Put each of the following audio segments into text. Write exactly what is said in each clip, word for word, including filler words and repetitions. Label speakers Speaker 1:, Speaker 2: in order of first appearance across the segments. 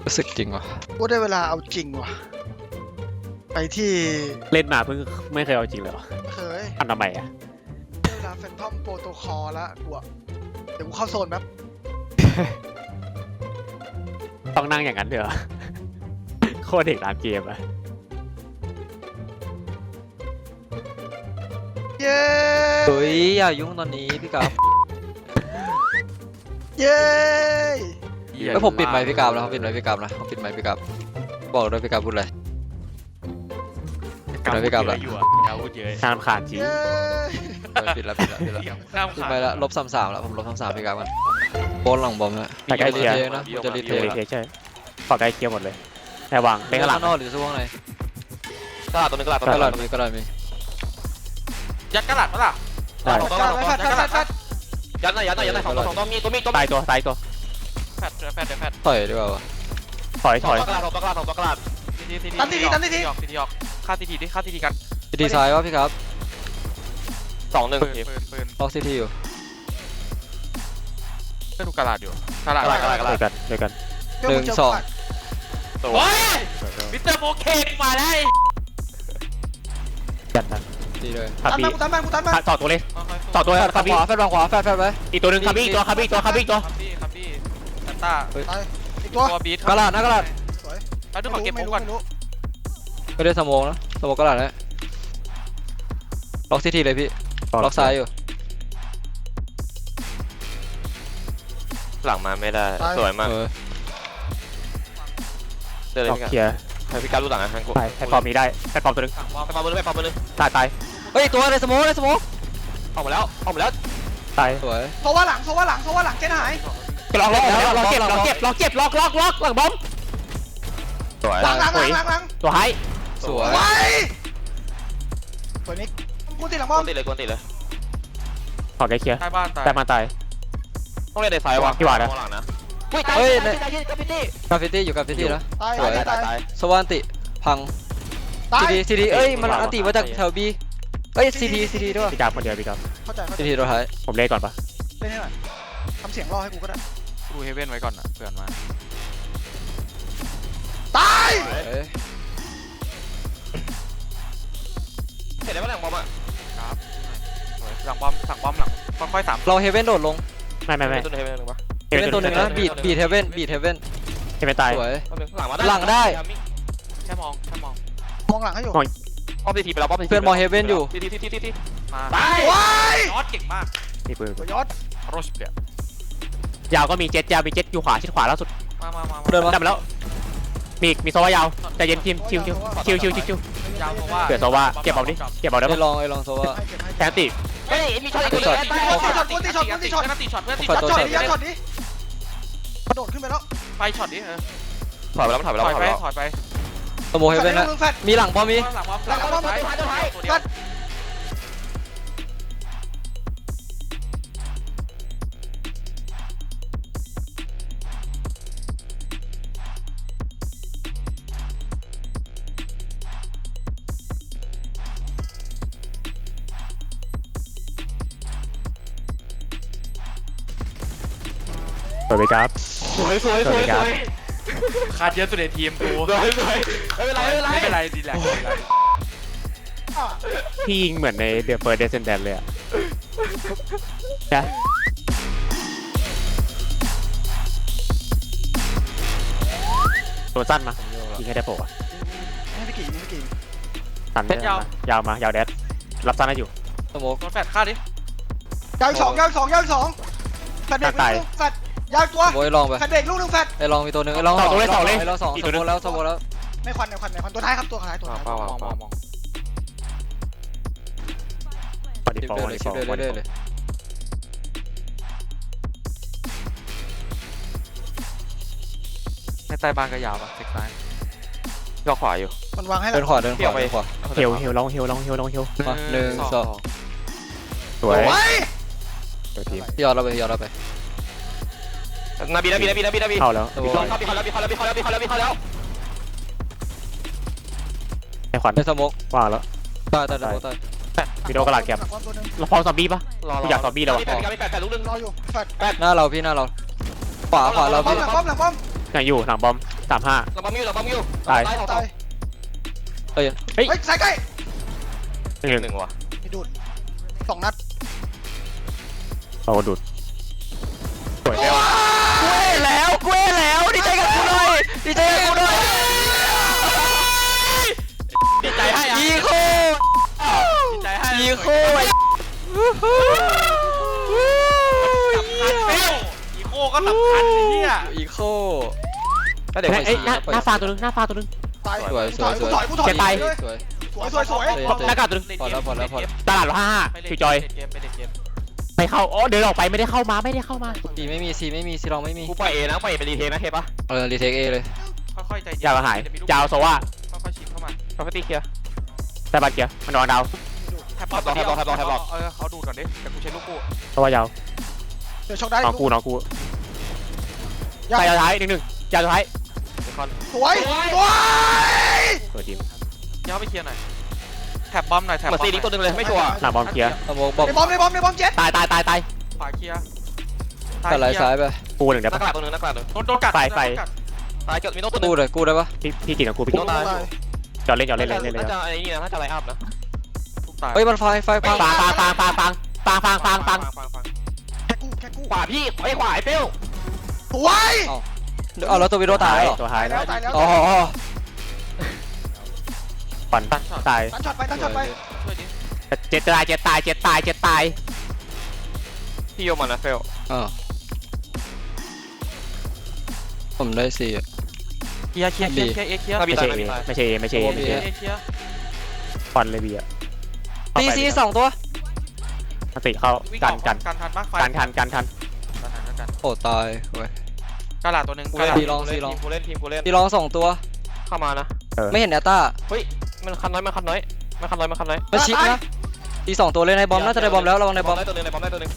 Speaker 1: รู้สึกจริงว่ะ
Speaker 2: กูได้เวลาเอาจริงว่ะไปที่
Speaker 3: เล่นมาเพิ่งไม่เคยเอาจริงเลย
Speaker 2: เคย
Speaker 3: ทำทำไมอ่ะ
Speaker 2: ได้เวลาแฟนทอมโปรโตคอลแล้วกูอะเดี๋ยวกูเข้าโซนแป๊บ
Speaker 3: ต้องนั่งอย่างนั้นเถอะโคตรเด็กร้านเกมอะ
Speaker 2: เย้
Speaker 1: เฮ้ยอย่ายุ่งตอนนี้พี่กราฟ
Speaker 2: เย้
Speaker 1: แล้วผมปิดไมค์พี่กราฟแล้วเขาปิดไมค์พี่กราฟนะเขาปิดไมค์พี่กราฟบอกด้วยพี่กราฟพูดอะไรปิดไมค์พี่กราฟแล้ว
Speaker 3: น่ารำคาญจริง
Speaker 1: ปิดแล้วปิดแล้วปิดแล้วปิดไปแล้วลบสามสามแล้วผมลบสามสามพี่กราฟมันโบนหลังบอมฮะ
Speaker 3: แต่ใกล้เคียง
Speaker 1: นะมันจะรีเท
Speaker 3: คใช่ขอใกล้เคียงหมดเลยแต่วางเป็นกระดาษ
Speaker 1: นอกหรือซ่วงไหน
Speaker 4: กระดาษตัวนึงกระดาษ
Speaker 1: กระดาษมีกระดาษมี
Speaker 4: ยัดกระดาษปะล่ะ
Speaker 3: ได้
Speaker 2: แฟดแฟดแฟดแฟด
Speaker 4: ยัดหน่อยยัดหน่อยยัดหน่อยสองตัวสองตัวมีตัวมีตัว
Speaker 3: ตายตัวตายตัว
Speaker 4: แฟดแฟดแฟด
Speaker 1: ถอยดีกว่าวะ
Speaker 3: ถอยถอย
Speaker 4: กระดาษสองตัวกระดาษสองตัวกระดาษ
Speaker 2: ตันทีทีตันทีที
Speaker 4: ออกทีทีออกฆ่าทีทีดิฆ่าทีทีกัน
Speaker 1: ดีไซน์วะพี่ครับ
Speaker 4: สองหนึ่ง
Speaker 1: ล็อกซีทีอยู่
Speaker 4: ไม่ดูกระดาษอยู่กระดาษกระดาษกระดาษ
Speaker 3: ด้วยกันด้วยกัน
Speaker 1: หนึ่งสอง
Speaker 4: โอ้ยมิสเตอร์โมเคมาได้
Speaker 3: จัดนะ
Speaker 1: ดีเลย
Speaker 3: คาบี
Speaker 2: กูตันมากูตันมา
Speaker 3: ต่อตัวเลยต่อตัวคาบี
Speaker 1: ขวาแฟดขวาแฟดแฟดไป
Speaker 3: อีกตัวหนึ่งคาบีตัวคาบีตัวคาบีตัว
Speaker 4: คาบี้คาบี้ซันต้า
Speaker 2: อีกตัว
Speaker 4: ตัวบีท
Speaker 1: กระดาษนะกระดาษ
Speaker 4: แล้วดูขอเก็บปุ๊บก่อน
Speaker 1: ไม่ได้สมองนะสมองกระดาษนะล็อกซีทีเลยพี่ล็อกซ้ายอยู่
Speaker 4: หลังมาไม่ได้สวยมากเดินเลยพี่
Speaker 3: เคลียร์
Speaker 4: ให้พี่การรู้หลังนะฮังกู
Speaker 3: ไปให้ปอมนี้ได้ให้ปอมตัวนึง
Speaker 4: ไปปอมมือไปปอมมือ
Speaker 3: ตายตาย
Speaker 1: เฮ้ยตัวอะไรสมองอะไรสมอง
Speaker 4: ออกมาแล้วออกมาแล้ว
Speaker 3: ตาย
Speaker 1: สวย
Speaker 2: โซว่าหลังโซว่าหลังโซว่าหลังเจนหาย
Speaker 3: ล็อกล็อกล็อกเก็บล็อกเก็บล็อกเก็บล็อกล็อกล็อกหลังบอม
Speaker 4: สวย
Speaker 2: หลังหลังหลังหลัง
Speaker 3: ตัวไฮ
Speaker 1: สวย
Speaker 2: สวยนิกกูติดหลังบอม
Speaker 4: ติดเลยกูติดเลย
Speaker 3: ขอใกล้เคลียร์
Speaker 4: ใต้บ้านตาย
Speaker 3: ใต้บ้านตาย
Speaker 4: ต้องเล่นในซ้ายวะ
Speaker 3: พี่วาดนะ
Speaker 1: เฮ้ยกราฟฟิตี้กราฟฟิตี้อยู่กราฟฟิตี้แล้ว
Speaker 2: ตาย
Speaker 1: สวย
Speaker 2: ตาย
Speaker 1: สวานติพังซีดีซีดีเอ้ยมันอันติมาจากแถวบีเอ้ยซีดีซีดีด้วย
Speaker 3: พี่กราฟคนเดียวพี่กราฟ
Speaker 2: เข้าใจ
Speaker 1: ซีดีตัวท้าย
Speaker 3: ผมเล่นก่อนปะ
Speaker 2: เล่นให้หน่อยทำเสียงรอให้กูก็ได้
Speaker 4: ดูเฮเว่นไว้ก่อนนะเผื่อมา
Speaker 2: ตาย
Speaker 4: เห็นได้ป่ะหลังบอมอ่ะครับหลังบอมสั่งบอมหลังค่อยๆสาม
Speaker 1: เราเฮเว่นโดดลง
Speaker 3: ไม่ไม่ไม่
Speaker 4: ตัวเฮเว่นหนึ่งปะ
Speaker 1: เฮเว่นตัวหนึ่งนะบีดบีดเฮเว่นบีดเฮเว่น
Speaker 3: เฮเว่นตาย
Speaker 1: สวย
Speaker 4: หลังมา
Speaker 1: หลังได้
Speaker 4: แค่มองแค่มอง
Speaker 2: มองหลังให้อยู่
Speaker 4: ป้อมทีทีไปแล้วป้อมที
Speaker 1: เพื่อนมองเฮเว่นอยู่
Speaker 4: ทีทีทีทีทีมา
Speaker 2: ตายว้าย
Speaker 4: ยอดเก่งมาก
Speaker 3: นี่ปืน
Speaker 2: ยอด
Speaker 4: โรชเปลี่ยน
Speaker 3: ยาวก็มีเจ็ตยาวมีเจ็ตอยู่ขวาชิดขวาล่าสุด
Speaker 4: มามามา
Speaker 1: เดินมา
Speaker 3: ได้มาแล้วมีมีโซว่ายาวแต่เย็นทีมชิวชิวชิวชิวชิวชิวย
Speaker 4: าวโซว่า
Speaker 3: เกิดโซว่าเก็บเอาดิเก็บเอาได้
Speaker 1: ไอ้ลองไอ้ลองโซว่า
Speaker 3: แทนตี
Speaker 4: เฮ้ยมีช็อตอีกช็อตตีช็อตตีช็อตตีช็อตเพื่อนตีช็อต
Speaker 2: ช็อตนี้ช็อตนี้กระโดดขึ้นไปแล้ว
Speaker 4: ไปช็อตนี้เออถอยไปแล้วถอยไปแล้วถอยไปถอยไป
Speaker 1: สโมเฮเว่นนะมีหลังพอมี
Speaker 4: หลังบอมหลังบอมท้ายท้ายตัวเดียว
Speaker 3: สวยไปครับ
Speaker 4: สวยสวยสวยสวยขาดเยอะสุดในทีมกูสวยสวยไม่เป็นไรไม่เป็นไรไม่เป็นไรดีแหละไม่เป็นไร
Speaker 3: พี่ยิงเหมือนในเดอะเฟิร์สเดซเซนแดนเลยอะนะตัวสั้นมายิงให้ได้โผล่อะ
Speaker 2: ไม่กี่ไม่กี่
Speaker 3: สั้นยาวยาวมายาวแดดรับสั้นได้อยู่
Speaker 1: สโมก
Speaker 4: แฟดฆ่าดิ
Speaker 2: ยาวสองยาวสองยาวสองแฟดเด็กลูกแฟดยาวตัว
Speaker 1: โวยลองไป
Speaker 2: แฟดเด็กลูกหนึ่งแฟด
Speaker 1: ไอ้ลองมีตัวหนึ่งไอ้ลอง
Speaker 3: สองตัวเลยสองเลย
Speaker 1: ไอ้ลองสองสโมแล้วสโมแล้ว
Speaker 2: ไม่ควันไม่ควันไม่ควันตัวท้ายครับตัวท้ายตัวท้าย
Speaker 4: มองมองมอง
Speaker 3: พอดีพอดีพอดีเลย
Speaker 4: ในใต้บ้านก็ยาวป่ะเซ็กซ้ายก็ขวาอยู่
Speaker 2: มันวางให้
Speaker 1: เดินขวาเดินขวาเดินขวา
Speaker 3: เฮลเฮลลองเฮลลองเฮลลองเฮล
Speaker 1: หนึ่งสอง
Speaker 3: สวย
Speaker 1: พี่ยอดเราไปยอดเราไป
Speaker 4: นาบีนาบีนาบีนาบีนาบี
Speaker 3: เข้าแล้ว
Speaker 4: เข้าบีเข้าแล้วบีเข้าแล้วบีเข้าแล้วบีเข้าแล้วบีเข้าแล้ว
Speaker 3: ไอ้ขวัญ
Speaker 1: ไอ้สโมก
Speaker 3: ว่างแล้ว
Speaker 1: ตายตายตายตาย
Speaker 3: วิดีโอกระดาษแคปเราพอซอมบี้ปะกูอยากซอมบี้แล้ว
Speaker 4: แปดแปดแปดลูกนึง
Speaker 2: รออยู่แฟด
Speaker 1: หน้าเราพี่หน้าเราขวาขวาเราพี่
Speaker 2: หลังป้อมหลังป้อม
Speaker 3: ยังอยู่หลังบอมสามห้า
Speaker 5: เราบัมยูเราบัมยู
Speaker 3: ตาย
Speaker 5: ตายสอง
Speaker 2: ตาย
Speaker 1: เอ้ย
Speaker 3: เฮ้ย
Speaker 2: เฮ้ยสายใกล้
Speaker 3: หนึ่งห
Speaker 5: ห
Speaker 3: นึ่ง
Speaker 5: นึ่งว่ะ
Speaker 2: มีดูดสองนัด
Speaker 3: โอ้ดูดสวย
Speaker 1: กูเอ้แล้วกูเอ้แล้วดีใจกับกูหน่อยดีใจกับกูหน่อย
Speaker 4: ดีใจให้อ่ะ
Speaker 1: อีโค
Speaker 4: ดีใจให้
Speaker 1: อีโค
Speaker 4: สำคัญเป้วอีโคก็สำคัญไอ้เหี้ย
Speaker 1: อีโคก็เดี๋ยวไป
Speaker 3: เอ้ย
Speaker 1: ชี้
Speaker 3: หน้า
Speaker 1: นะ
Speaker 3: หน้าฟาตัวนึงหน้าฟาตัวนึง
Speaker 2: ตาย
Speaker 1: สวยสวยสวย
Speaker 2: กูถอยกูถอย
Speaker 3: เจ็บไป
Speaker 1: สวย
Speaker 2: สวยสวยสวย
Speaker 3: หน้ากากตัวนึง
Speaker 1: พอแล้วพอแล้วพอแล้ว
Speaker 3: ตลาดห้าห้า
Speaker 4: ไปเล่น
Speaker 3: คิวจอย
Speaker 4: เกมไปเล่นเกม
Speaker 3: ไม่เข้าอ๋อเดินออกไปไม่ได้เข้ามาไม่ได้เข้ามา
Speaker 1: ซีไม่มีซีไม่มีซีลองไม่มี
Speaker 5: กูปล่อยเอนะปล่อยเอเป็นรีเทคนะเทปปะ
Speaker 1: เออรีเทคเอเลย
Speaker 4: ค่อยๆใจเย็น
Speaker 3: ยาวหาย
Speaker 4: จะมีลูก
Speaker 3: ยาวโซว่า
Speaker 4: ค่อยๆชิดเข้ามา
Speaker 5: ปกติเคลียร์
Speaker 3: แต่บัตรเกียร์มันนอนดาว
Speaker 4: แทบ
Speaker 5: แทบล็อกแทบล็อกแทบล็อกแทบล็อก
Speaker 4: เออเขาดูดก่อนดิแต่กูใช้ลูกกู
Speaker 3: โซว่ายาว
Speaker 2: เดี๋ยวช็อกได้
Speaker 3: น้องกูน้องกู
Speaker 2: ยา
Speaker 3: ใส่ยาวท้ายหนึ่งหนึ่งยาวท้าย
Speaker 5: เดคอน
Speaker 2: สวยสวย
Speaker 3: เปิดทีม
Speaker 4: ย้ายไปเคลียร์หน่อยแถบบอมหน่อยแถบ
Speaker 5: เหมือนซีลิงตัวหนึงเลยไม่ชัวร์
Speaker 3: หน้าบอมเคลียร์
Speaker 1: สมองบอก
Speaker 2: ในบอมในบอมในบอมเจ็ด
Speaker 3: ตายตายตายตาย
Speaker 4: ขวาเคลียร์
Speaker 1: ตัดไหลซ้ายไป
Speaker 3: กูหนึ่ง
Speaker 5: ห
Speaker 3: ได้
Speaker 5: น้า
Speaker 3: ปะ
Speaker 5: กระดาษตัวหนึงหน้ากระดาษตัวหนึง
Speaker 4: โดนโดนกัด
Speaker 3: ไฟไฟ
Speaker 4: โดนกัด
Speaker 5: ตายเกิดมีโน้ตตัวหนึ
Speaker 1: กู้
Speaker 5: ง
Speaker 1: เลยกู้ได้ปะ
Speaker 3: พี่พี่กินกับกูพี่กิน
Speaker 5: ตาย
Speaker 3: จอดเล่นจอดเล่นเล่นเล่นเลย
Speaker 5: น่าจะไอ้นี่นะน่าจะไลน์อัพนะ
Speaker 4: ทุกตาย
Speaker 1: เฮ้ยมันไฟไฟไฟ
Speaker 3: ฟังฟังฟังฟังฟังฟังฟังฟังฟัง
Speaker 4: ฟังฟัง
Speaker 2: แค่กู้แค่กู้
Speaker 5: ขวาพี่ไอ้ขวาไอ้เป้ว
Speaker 2: สวย
Speaker 1: เอาแล้วตัววิโรตายเหรอ
Speaker 3: ตัวท้าย
Speaker 2: ตายแล้วตายแล้ว
Speaker 1: อ๋ออ๋อ
Speaker 3: ฝันตาย
Speaker 2: ตั้งช็อตไปตั้งช็อตไป
Speaker 4: ช่วยดิ
Speaker 3: เจ็ดตายเจ็ดตายเจ็ดตายเจ็ดตาย
Speaker 5: พี่โยมันนะเฟล
Speaker 1: อ่าผมได้สี่อะ
Speaker 4: เคลียร์เคลียร์เคลียร์เคลียร์เอเคลียร์
Speaker 5: น่ามี
Speaker 3: ไม่
Speaker 5: ตา
Speaker 3: ใช่
Speaker 5: ยน่ามีตาย
Speaker 3: ไม่ใช่ไม่ใช่
Speaker 4: เค
Speaker 3: ไม่
Speaker 4: ลีย
Speaker 3: ใช่
Speaker 4: ร์เอเคลียร์
Speaker 3: ฟันเลยบีอะ
Speaker 1: ซีซีสองตัว
Speaker 3: ติเข้า
Speaker 4: วิ่ง
Speaker 3: กั
Speaker 4: อน อก
Speaker 3: กัน
Speaker 4: กันทันปะไฟ
Speaker 3: กันทันกันทัน
Speaker 4: กันทันกันทัน
Speaker 1: โอ้ตายเว้ย
Speaker 4: กระดาษตัวหนึ่ง
Speaker 5: กู
Speaker 4: กระ
Speaker 5: เล่น
Speaker 4: ดาษ
Speaker 1: ซีลองซีลอง
Speaker 5: ทีมกูเล่นทีมกูเล่น
Speaker 1: ซีลองสองตัว
Speaker 5: เข้ามานะ
Speaker 1: ไม่เห็นแอตต้า
Speaker 5: เฮ้ยมันคันน้อยมันคันน้อยมันคันน้อยมันคันน้อย
Speaker 1: มันชิปนะซีสองตัวเลยในบอมน่าจะได้บอมแล้วระวังในบอม
Speaker 5: ได้ตัวหนึงในบอมได้ตัวหนึง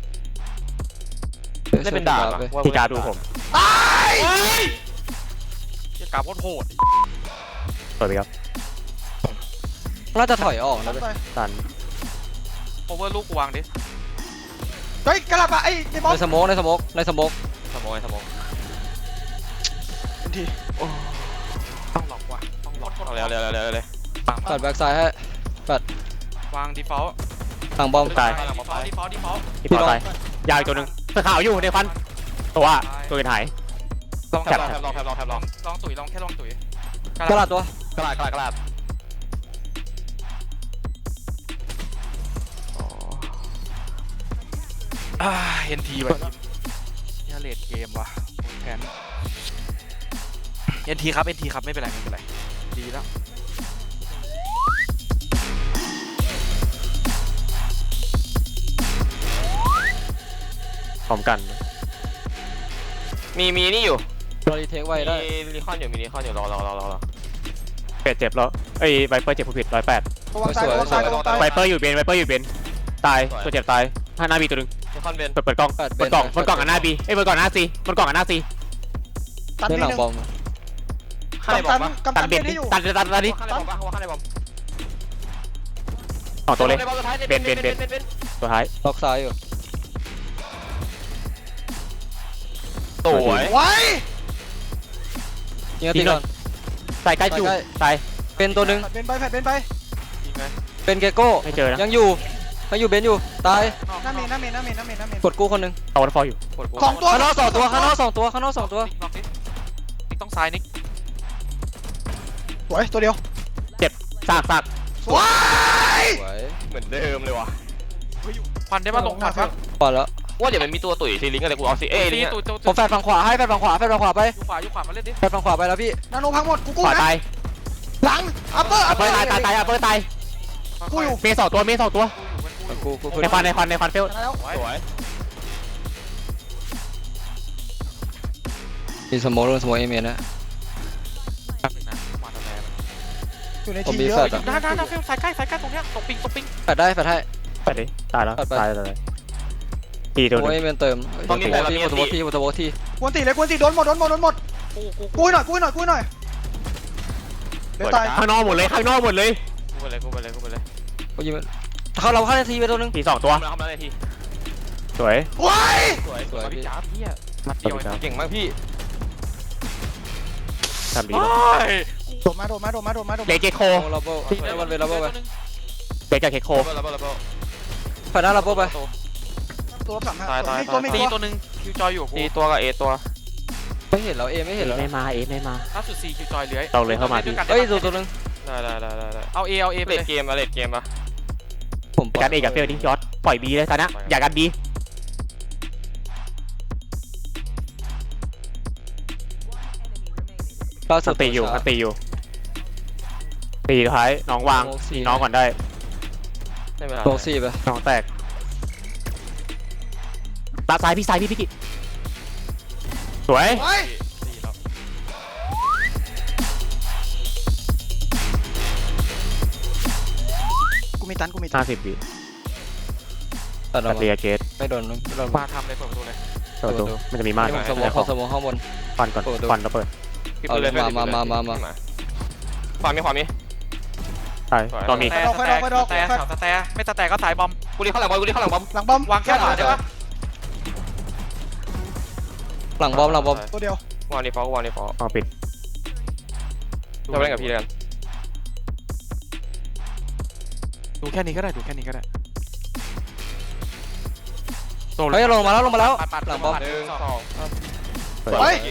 Speaker 5: ได้เป็นดาบอะ
Speaker 3: ที่การดูผม
Speaker 2: ตาย
Speaker 4: เหี้ยกราบโคตรโหด
Speaker 3: เปิดไปครับ
Speaker 1: น่าจะถอยออกนะเว้ย
Speaker 3: ตัน
Speaker 4: โอเวอร์ลูกกูวางดิ
Speaker 2: เฮ้ยกระลับอะไอ้ในบอม
Speaker 1: ในสโมกในสโมกในสโมก
Speaker 5: สมองไอ้สมอง
Speaker 2: ที
Speaker 4: ต้องหลอกว่ะต้องหลอก
Speaker 5: เอาเร็วเร็วเร็วเร็วเร็ว
Speaker 1: ตัดแบ็กซ้ายให้
Speaker 4: วาง default
Speaker 1: หลังบอม
Speaker 3: ตาย
Speaker 4: default default default
Speaker 3: ที่ปอตายยาวอีกตัวหนึ่งเสื้อขาวอยู่ในฟันตัวตัวอื่นหาย
Speaker 4: ลอง
Speaker 5: แทบลองแทบลองแทบลองแทบล
Speaker 4: ล
Speaker 5: อ
Speaker 4: อง งลองตุ๋ยลองแค่ลองตุ๋ย
Speaker 1: กระดาษตัว
Speaker 5: กระดาษกระดาษกระดาษ
Speaker 4: อ่าเอ็นทีว่ะทีมเนี่ยเลดเกมว่ะแผนเอ็นทีครับเอ็นทีครับไม่เป็นไรไม่เป็นไรดีแล้ว
Speaker 3: พร้อมกัน
Speaker 5: มีมีนี่อยู่
Speaker 1: เรารีเทคไว้ได้
Speaker 5: มีรีคอนอยู่มีรีคอนอยู่รอรอรอรอรอ
Speaker 3: เป็ดเจ็บแล้วเอ้ยไวเปอร์เจ็บผู้ผิดร้อยแปด
Speaker 2: ระวังซ้ายระวังซ้ายระวังซ้าย
Speaker 3: ไวเปอร์อยู่เบนไวเปอร์อยู่เบนตายตัวเจ็บตายห้าหน้าบีตัวหนึ่ง
Speaker 5: รีคอนเบน
Speaker 3: เปิดเปิดกล้อง
Speaker 1: เปิด
Speaker 3: เปิดกล่องเปิดกล่องกับหน้าบีเอ้ยเปิดกล่องกับหน้าซีเปิดกล่องกับหน้าซี
Speaker 2: ตัน
Speaker 1: เล่น
Speaker 2: นิ
Speaker 1: ห
Speaker 2: ด
Speaker 1: ลัง
Speaker 2: นึง
Speaker 1: บอม
Speaker 5: ข้างในบอ
Speaker 2: กำ
Speaker 5: ม
Speaker 2: ตัน
Speaker 5: ปะ
Speaker 2: กำ
Speaker 3: ตั
Speaker 2: ตั
Speaker 3: น
Speaker 2: น
Speaker 3: เบ
Speaker 2: เบ
Speaker 3: น
Speaker 2: นให้อยู่
Speaker 3: ตันตันตันนี้
Speaker 5: ข้างในบอมปะข้างในบอม
Speaker 3: สองตัวเลย
Speaker 5: เบนเบนเบนเบน
Speaker 3: ตัวท้าย
Speaker 1: ล็อกซ้ายอยู่
Speaker 5: สวย
Speaker 2: ไว้
Speaker 1: ยิงกระติกก่อน
Speaker 3: ใส่ใกล้จุด
Speaker 1: ใกล้
Speaker 3: ใส่
Speaker 1: เป็นตัวหนึ่ง
Speaker 2: แฟดเบนไปแฟดเบนไป
Speaker 5: ยิงไหม
Speaker 1: เป็นเกโก้
Speaker 3: ไม่เจอนะ
Speaker 1: ยังอยู่ยังอยู่เบนอยู่ตาย
Speaker 2: หน้าเมนหน้าเมนหน้าเมนหน้าเมนหน้าเมน
Speaker 1: กดกู้คนหนึ่ง
Speaker 3: เอาวันฟอลอยู่
Speaker 5: กดกู
Speaker 2: ของตัว
Speaker 1: ข้างนอกสองตัวข้างนอกสองตัวข้างนอกสองตัว
Speaker 4: นิกนิกนิกต้องซ้ายนิก
Speaker 2: สวยตัวเดียว
Speaker 3: สากสาก
Speaker 2: สวย
Speaker 1: สวย
Speaker 5: เหมือนเดิมเลยว่ะ
Speaker 4: ควันได้ป่ะลงควันป่ะ
Speaker 1: พอแล้ว
Speaker 5: ว่าเดี๋ยวมันมีตัวตุ๋ยซีลิงอะไรกูเอาสิเอ้ยลิง
Speaker 4: ตัวตัว
Speaker 1: ผมแฟดฝั่งขวาให้แฟดฝั่งขวาแฟดฝั่งขวาไป
Speaker 4: อยู่ขวาอยู่ขวามาเล่นดิ
Speaker 1: แฟดฝั่งขวาไปแล้วพี่
Speaker 2: นาโนพังหมดกูกู้
Speaker 3: ขวา
Speaker 2: นะ
Speaker 3: ตาย
Speaker 2: หลังอัปเปอร์
Speaker 3: อัปเปอร์ตายตายตายอัปเปอร์ตาย
Speaker 2: กูอยู่
Speaker 3: เมย์สองตัวเมย์สองตัว
Speaker 1: กูกูกู
Speaker 3: ในควันในควันในควันเฟล
Speaker 2: ชนะแล้ว
Speaker 5: สวย
Speaker 1: มีสโมอลสโมอเอเมนนะ
Speaker 2: อยู่ใน
Speaker 1: ผม
Speaker 2: ทีม
Speaker 1: มี
Speaker 2: เย
Speaker 1: แฟ
Speaker 2: อะ
Speaker 1: ดอะ
Speaker 4: ด้านด้านด้านสายใกล้สายใกล้ตรงเนี้ยตกปิงตกปิง
Speaker 1: แฟดได้แฟดให้
Speaker 3: ไปดิตายแล้ว
Speaker 1: ตัดไป
Speaker 3: ตายตายตี
Speaker 1: ส
Speaker 3: ตัว
Speaker 1: โม
Speaker 3: ห
Speaker 1: อ
Speaker 3: นึ
Speaker 1: เอง เมนเติมตัวที่ตัวที่ตัวที่
Speaker 2: กวนตีเลยกวนตีโดนหมดโดนหมดโดนหมด
Speaker 4: กูกู
Speaker 2: กู้หน่อยกู้หน่อยกู้หน่อยเดี๋ยวตาย
Speaker 3: ข้างนอกหมดเลยข้างนอกหมดเลย
Speaker 5: กูไปเลยกูไปเลยกูไปเลย
Speaker 1: กูยิงเขาเราเข้านาทีไปตัวนึง
Speaker 3: ตีสองตัว
Speaker 5: ทำแล้วทำแล้วในที
Speaker 3: สวย
Speaker 2: ไว้
Speaker 5: สวย
Speaker 1: สวย
Speaker 5: พี่
Speaker 1: พี่
Speaker 5: จ้าพี่
Speaker 4: มัดเดียว
Speaker 5: เก่งมากพี่
Speaker 3: ทำดี
Speaker 4: โอ้
Speaker 3: แล้ว
Speaker 4: ย
Speaker 2: โดดมาโดดมาโดดมาโดดมาโดด
Speaker 3: เล
Speaker 2: มา
Speaker 3: เกตโค
Speaker 1: โอ้ลับเบิ้ลแล้ววันเวลับเบิ้ลไป
Speaker 3: เลเกตโค
Speaker 5: ระเบิดระเบิดระเบิด
Speaker 1: ผ่านหน้าลับเบิ้ลไป
Speaker 2: ตัวลบสามห้า
Speaker 5: ตายตาย
Speaker 2: มีตัวมี
Speaker 4: ตี
Speaker 2: ตัว
Speaker 4: ตัวหนึ่งคิวจอยอยู่กับกู
Speaker 5: ตีตัวกับเอตัว
Speaker 1: ไม่เห็นเราเอไม่
Speaker 3: เอ
Speaker 1: เห็นเรา
Speaker 3: ไม่มาเอไม่มา
Speaker 4: ล่าสุดซีคิวจอยเหลือ
Speaker 3: เราเลยเข้ามา
Speaker 4: ล่นด้วยกัน
Speaker 1: เอ้ย
Speaker 4: ได้
Speaker 1: ตัว
Speaker 4: ปะ
Speaker 1: ตัวนึง
Speaker 5: ได้ได้ได้ได้ได้
Speaker 4: เอาเอเอาเอไป
Speaker 5: เล
Speaker 4: เล
Speaker 5: ด
Speaker 4: ย
Speaker 5: เกมอะเลดเกมปะ
Speaker 1: ผม
Speaker 3: การเอกับเฟลดิยอดปล่อยบีเลยตอนนี้อย่ากันบี
Speaker 1: ล่า
Speaker 3: ส
Speaker 1: สุด
Speaker 3: ตีอยู่สตีอยู่ตีท้ายน้องวางตีน้องก่อนได้
Speaker 5: ไม่เป็นไร
Speaker 1: โลซี่ไป
Speaker 3: น้องแตกตาซ้ายพี่ซ้ายพี่พี่กิสวย
Speaker 2: เฮ้ย
Speaker 4: ตีแล้ว
Speaker 2: กูมีตันกูมีตั
Speaker 3: ห้าน สิบวิ
Speaker 1: ตัดอ
Speaker 3: ตั
Speaker 1: อก
Speaker 3: ด
Speaker 1: มา
Speaker 3: เรียเกต
Speaker 1: ไม่โดนไม่โดน
Speaker 4: มาทำเลยเปิดประตูเลย
Speaker 3: เปิดประตูมันจะมีม่าน
Speaker 1: นี่ผมสมองเขาสมองข้างบน
Speaker 3: ฟันก่อนฟันแล้วเปิด
Speaker 5: ปิดปืนเลย
Speaker 1: เอาเลยมามามามา
Speaker 5: ขวามีขวามี
Speaker 3: ใช่ตอนมี
Speaker 4: แต่สแตร์สแตร์แถวสแตร์ไม่สแตร์ก็สายบอม
Speaker 5: กูรีเข้าหลังบอลกูรีเข้าหลังบอล
Speaker 2: หลังบอม
Speaker 4: วางแค่ขวาได้ปะ
Speaker 1: หลังบอมหลังบอม
Speaker 2: ตัวเดียว
Speaker 5: วางดีฟอลวางดีฟอล
Speaker 3: อ๋อปิด
Speaker 5: เราเล่นกับพี่เลยกัน
Speaker 4: ดูแค่นี้ก็ได้ดูแค่นี้ก็ได้
Speaker 1: เฮ้ยลงมาแล้วลงมาแล้ว
Speaker 4: ปัดปัด
Speaker 1: หลังบอม
Speaker 4: ปัด
Speaker 5: หนึ่งสอง
Speaker 3: เปิด
Speaker 2: เฮ้ย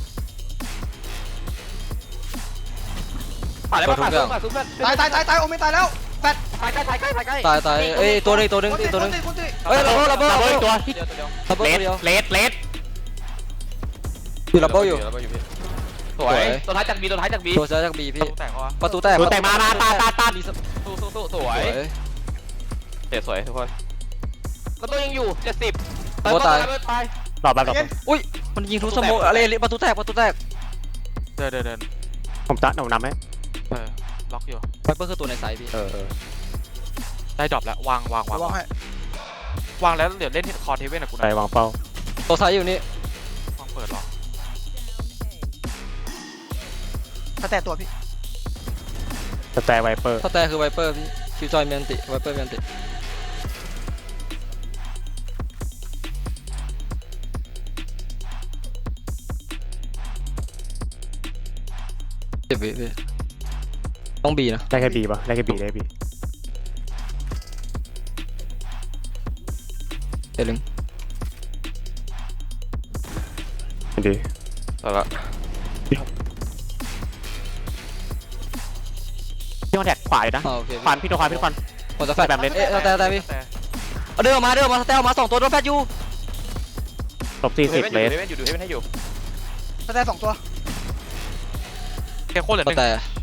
Speaker 5: ผ่านเลยผ่านซุปผ่านซุปเพื่อน
Speaker 2: ตายตายตายตายโอเมนตายแล้วแฟด
Speaker 5: ใกล้ใกล้ใกล้ใกล้ใกล้
Speaker 1: ตายตายเอ้ยตัวนึงตัวนึง
Speaker 2: คน
Speaker 1: อี
Speaker 2: ตี
Speaker 1: กตัวนึง
Speaker 2: คนตีคนตี
Speaker 1: เฮ้ยลับเบิ้ลลับเบิ้ล
Speaker 3: ดับเบิลอีกตัว
Speaker 5: เดียวตัวเดียว
Speaker 1: ลับเบิ้ล
Speaker 3: เล
Speaker 1: ตัว
Speaker 3: ส
Speaker 1: เดียว
Speaker 3: เลสเลส
Speaker 1: อยู่ลับเบิ้ลอยู่
Speaker 5: ลับเบิ้ลอยู่พี่สวยตัวท้ายจากบีตัวท้ายจากบี
Speaker 1: ตัวซ้ายจากบีพี่
Speaker 4: แตกเขาวะ
Speaker 1: ประตูแตก
Speaker 3: ตัวแต่งมามาตาตาตา
Speaker 5: สู้สู้สู้ส
Speaker 1: ส
Speaker 5: ว
Speaker 1: วย ย
Speaker 5: เจ็ดสวยทุกคนประตูยังอยู่เจ็ดสิบ
Speaker 1: โอ้ตาย
Speaker 5: ตาย
Speaker 3: หลอดแบบหลอด
Speaker 2: เย็น
Speaker 1: อุ้ยมันยิงทุกสโมกอะไรประตูแตกประตูแตก
Speaker 4: เดินเดินเดิน
Speaker 3: ผมตัดหนูนำไหม
Speaker 4: เออล็อกอยู่
Speaker 1: ไวเปอร์คือตัวในไซส์พี่
Speaker 3: เออเออ
Speaker 4: ได้ดรอปแล้ววางวางวาง
Speaker 2: วางให้
Speaker 4: วางแล้วเดี๋ยวเล่นคอร์เทเว่นกับกู
Speaker 3: ไป
Speaker 4: นะ
Speaker 3: วางเป้า
Speaker 1: ตัวไซส์อยู่นี่
Speaker 4: วางเปิดหรอ
Speaker 2: ถ้าแต่ตัวพี่
Speaker 3: สแตร์ไวเปอร์
Speaker 1: สแตร์คือไวเปอร์พี่คิวจอยเมียนติไวเปอร์เมียนติเจ็บวิพี่ต้องบีนะ
Speaker 3: ได้แค่บีป่ะได้แค่บีได้บี
Speaker 1: เดี๋ยวลึง
Speaker 3: ดี
Speaker 5: เอาละ
Speaker 3: พี่คอนแทคขวาอยู่นะ
Speaker 1: อ่าโอเค
Speaker 3: ควันพี่ตัวควันพี่ตัวควัน
Speaker 1: ผมจะแฟด
Speaker 3: แบบเล่น
Speaker 1: เอ๊ะสแตร์สแตร์พี่
Speaker 4: แต่
Speaker 1: เอาเดินออกมาเดินออกมาสแตร์ออกมาสองตัวโดนแฟดอยู่
Speaker 3: ลบสี่สิบเลส
Speaker 5: เดเว่นอยู่ดูเดเว่นให้อยู่
Speaker 2: ถ้าแต่สองตัว
Speaker 4: แค่โคตรเหลือห
Speaker 1: ส
Speaker 4: นึ่ง
Speaker 1: แตร์